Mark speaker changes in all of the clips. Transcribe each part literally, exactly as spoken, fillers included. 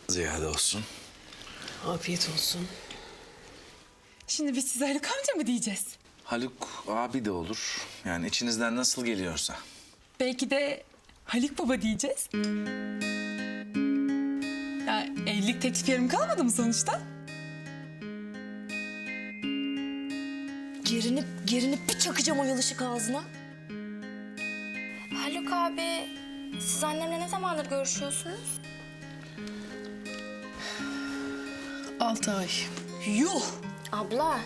Speaker 1: Ziyade olsun.
Speaker 2: Afiyet olsun.
Speaker 3: Şimdi biz size Haluk amca mı diyeceğiz?
Speaker 1: Haluk abi de olur. Yani içinizden nasıl geliyorsa.
Speaker 3: Belki de Haluk baba diyeceğiz. Ya evlilik teklifi yarım kalmadı mı sonuçta?
Speaker 4: Gerinip gerinip bir çakacağım o yalışık ağzına.
Speaker 5: Haluk abi, siz annemle ne zamandır görüşüyorsunuz?
Speaker 2: Altı ay.
Speaker 4: Yuh!
Speaker 5: Abla,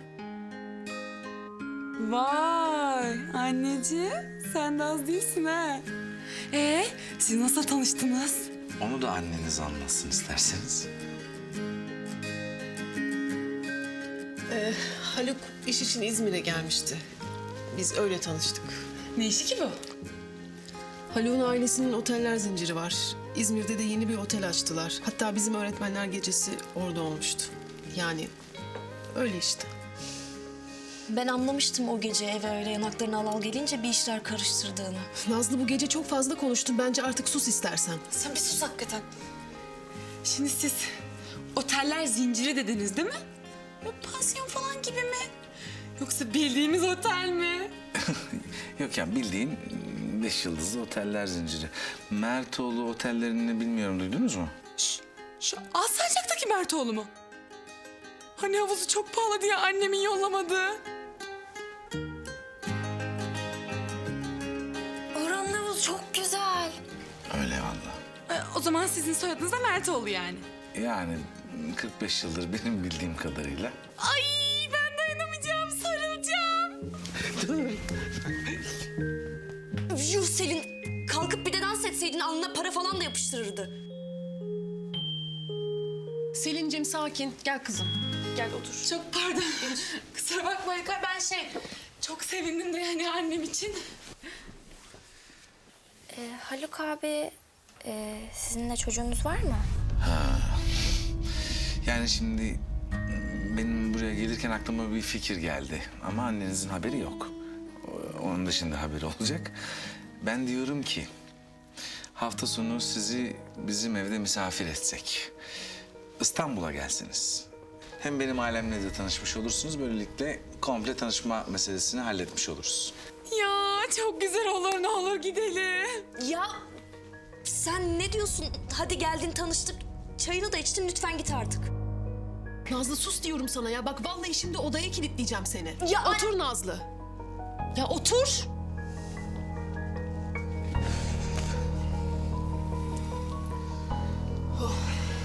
Speaker 3: Vay anneciğim sen de az değilsin ha. Ee siz nasıl tanıştınız?
Speaker 1: Onu da anneniz anlatsın isterseniz.
Speaker 2: Ee, Haluk iş için İzmir'e gelmişti. Biz öyle tanıştık.
Speaker 3: Ne işi ki bu?
Speaker 2: Haluk'un ailesinin oteller zinciri var. İzmir'de de yeni bir otel açtılar. Hatta bizim öğretmenler gecesi orada olmuştu. Yani öyle işte.
Speaker 4: Ben anlamıştım o gece eve öyle yanaklarına al al gelince bir işler karıştırdığını.
Speaker 2: Nazlı bu gece çok fazla konuştun. Bence artık sus istersen.
Speaker 4: Sen bir sus hakikaten.
Speaker 3: Şimdi siz oteller zinciri dediniz değil mi? Böyle pansiyon falan gibi mi? Yoksa bildiğimiz otel mi?
Speaker 1: Yok yani bildiğin beş yıldızlı oteller zinciri. Mertoğlu otellerini bilmiyorum, duydunuz mu?
Speaker 3: Şş, şu Alsancak'taki Mertoğlu mu? Hani havuzu çok pahalı diye annemin yollamadığı.
Speaker 5: oranın havuzu çok güzel.
Speaker 1: Öyle vallahi.
Speaker 3: Ee, o zaman sizin soyadınız da Mertoğlu yani.
Speaker 1: Yani kırk beş yıldır benim bildiğim kadarıyla.
Speaker 3: Ay ben dayanamayacağım, sarılacağım.
Speaker 4: Yuh Selin, kalkıp bir de dans etseydin alnına para falan da yapıştırırdı.
Speaker 2: Selin'cim sakin. Gel kızım. Gel otur.
Speaker 3: Çok pardon. Kusura bakmayın. Ben şey çok sevindim de yani annem için.
Speaker 5: Ee, Haluk abi, e, sizin de çocuğunuz var mı?
Speaker 1: Yani şimdi benim buraya gelirken aklıma bir fikir geldi. Ama annenizin haberi yok. O- Onun dışında haberi olacak. Ben diyorum ki hafta sonu sizi bizim evde misafir etsek. İstanbul'a gelsiniz. Hem benim ailemle de tanışmış olursunuz. Böylelikle komple tanışma meselesini halletmiş oluruz.
Speaker 3: Ya çok güzel olur, ne olur gidelim.
Speaker 4: Ya sen ne diyorsun? Hadi geldin tanıştık. Çayını da içtin, lütfen git artık.
Speaker 2: Nazlı sus diyorum sana ya. Bak vallahi şimdi odaya kilitleyeceğim seni.
Speaker 4: Ya
Speaker 2: otur Nazlı. Ya otur. Oh.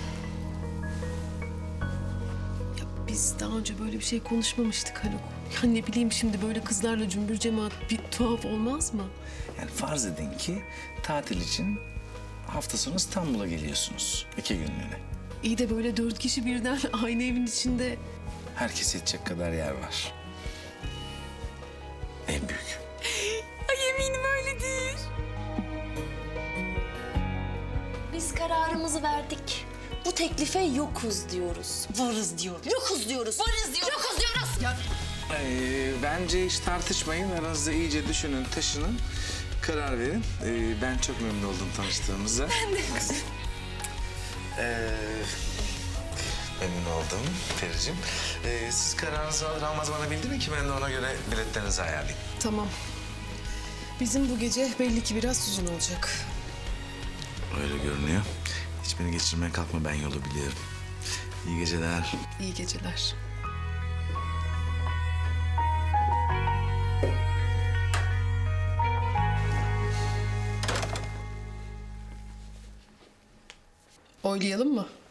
Speaker 2: Ya biz daha önce böyle bir şey konuşmamıştık Haluk. Ya ne bileyim şimdi böyle kızlarla cümbür cemaat bir tuhaf olmaz mı?
Speaker 1: Yani farz edin ki tatil için hafta sonu İstanbul'a geliyorsunuz. iki günlüğüne.
Speaker 2: İyi de böyle dört kişi birden aynı evin içinde.
Speaker 1: Herkes yetecek kadar yer var. En büyük.
Speaker 3: Ay eminim öyledir.
Speaker 4: biz kararımızı verdik. Bu teklife yokuz diyoruz. Varız diyoruz. Yokuz diyoruz. Varız diyoruz. Yokuz diyoruz.
Speaker 2: Ya
Speaker 1: Ee, bence hiç tartışmayın. Aranızda iyice düşünün, taşının. Karar verin. Ee, ben çok memnun oldum tanıştığımıza. Ben de. Ee, memnun oldum Pericim. Ee, siz kararınızı alır almaz bana bildirin ki ben de ona göre biletlerinizi ayarlayayım.
Speaker 2: tamam. Bizim bu gece belli ki biraz uzun olacak.
Speaker 1: Öyle görünüyor. Hiç beni geçirmeye kalkma, ben yolu biliyorum. İyi geceler.
Speaker 2: İyi geceler. Oylayalım mı?